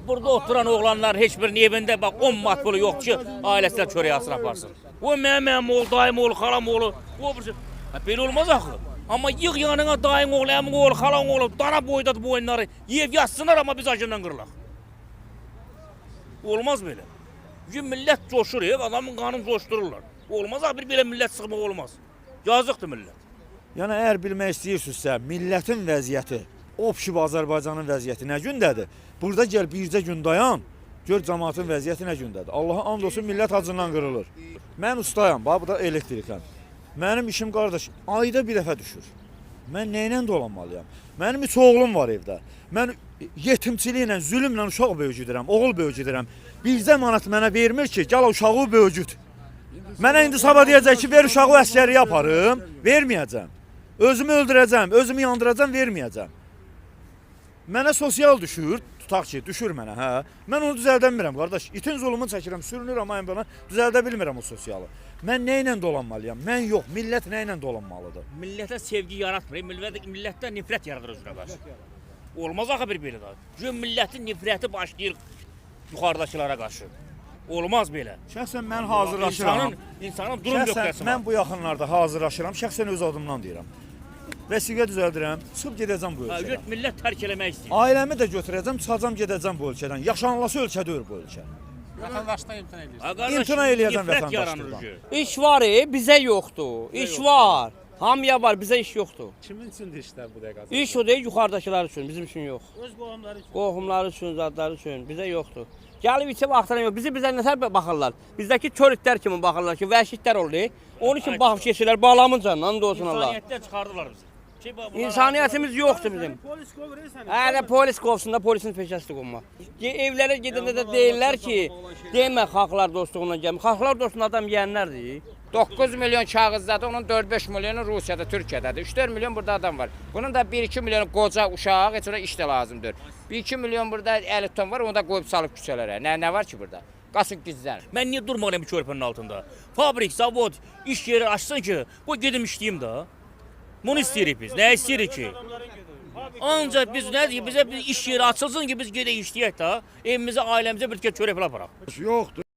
burada oturan oğlanlar heç birinin evində bax 10 mat pulu yox ki, ailəsinə çörək asır aparsın. O mənim oğlu, dayım oğlu, xalam oğlu, o birisi. Belə olmaz axı. Amma yığ yanına dayın oğlu, əmin oğlu, xalan oğlu, dana boydadı bu oyunları. Yev yatsınlar amma biz acından qırılaq. Olmaz belə. Bugün millət coşur, adamın qanını coşdururlar. Olmaz axı, bir belə millət sıxmaq olmaz. Yazıqdır millət. Yəni, əgər bilmək istəyirsinizsə, millətin vəziyyəti, obşib Azərbaycanın vəziyyəti nə gündədir? Burada gəl bircə gün dayan, gör cəmaatın vəziyyəti nə gündədir. Allaha and olsun, millət acından qırılır. Mən ustayam, bax, bu da elektrikən. Mənim işim qardaş, ayda bir dəfə düşür. Mən nəylə dolanmalıyam? Mənim 3 oğlum var evdə. Mən yetimçiliklə, zülümlə uşaq böyücüdürəm, oğul böyücüdürəm. Bircə manat mənə vermir ki, gəl uşağı böyücüd. Mənə indi sabah deyəcək ki, ver uşağı əsgəriyə aparım, verməyəcəm. Özümü öldürəcəm, özümü yandıracam, verməyəcəm. Mənə sosial düşür, tutaq ki, düşür mənə, hə. Mən onu düzəldə bilmirəm, qardaş. İtin zulmunu çəkirəm, sürünürəm ayın bana, düzəldə bilmirəm o sosialı. Mən nə ilə dolanmalıyam? Mən yox, millət nə ilə dolanmalıdır? Millətə sevgi yaratmır, millətdə nifrət yaradır özünə qarşı. Olmaz axı bir belə də. Gün millətin nifrəti başlayır yuxarıdakılara qarşı. Olmaz belə. Şəxsən mən hazırlaşıram. İnsanın durum nöqtəsi var. Mən bu yaxınlarda hazırlaşıram, şəxsən öz adımdan deyirəm. Vəsiqə düzəldirəm, çıxıb gedəcəm bu ölkədən. Millət tərk eləmək istəyir. Ailəmi də götürəcəm, çıxacam gedəcəm bu ölkədən. Yaşanılası ölkə deyil bu ölkə. Vətəndaşdan imtina edirsən. İmtina eləyəcəm vətəndaşlıqdan. İş var, bizə yoxdur. İş var. Hamıya var, bizə iş yoxdur. Kimin üçündür işlər bu dəqiqə? İş o deyil, yuxarıdakılar üçün, bizim üçün yox. Öz qohumları üçün. Qohumları üçün, zadları üçün, bizə yoxdur. Gəlib içə vaxtına yox, bizə nətər baxırlar. Bizdəki kör itlər kimi baxırlar ki, vəhşi itlər olur. Onun üçün baxıb keçirlər, bağlamın canından, olsun Allah. İnsaniyyətdən çıxardılar bizi. İnsaniyyətimiz yoxdur bizim. Polis qovur səni. Hələ polis qovsun da, polisin peşəsidir qovmaq. Evlərə gedəndə də deyirlər ki, demə xalqlar dostluğuna gəlmə. Xalqlar dostluğuna adam yeyənlərdir. 9 milyon kağızdadır, onun 4-5 milyonu Rusiyada, Türkiyədadır. 3-4 milyon burada adam var. Bunun da 1-2 milyon qoca uşaq, heç ona iş də lazımdır. 1-2 milyon burada 50 ton var, onu da qoyub salıb küçələrə. Nə var ki burada? Qasıb gizlənir. Mən niyə durmalıyam bu körpənin altında? Fabrik, zavod, iş yeri açsın ki, bu gedim işləyim də. Bunu istəyirik biz. Nə istəyirik ki? Ancaq biz nə deyik, bizə bir iş yeri açılsın ki, biz gedək işləyək də, evimizə, ailəmizə bir çörək aparaq. Yoxdur.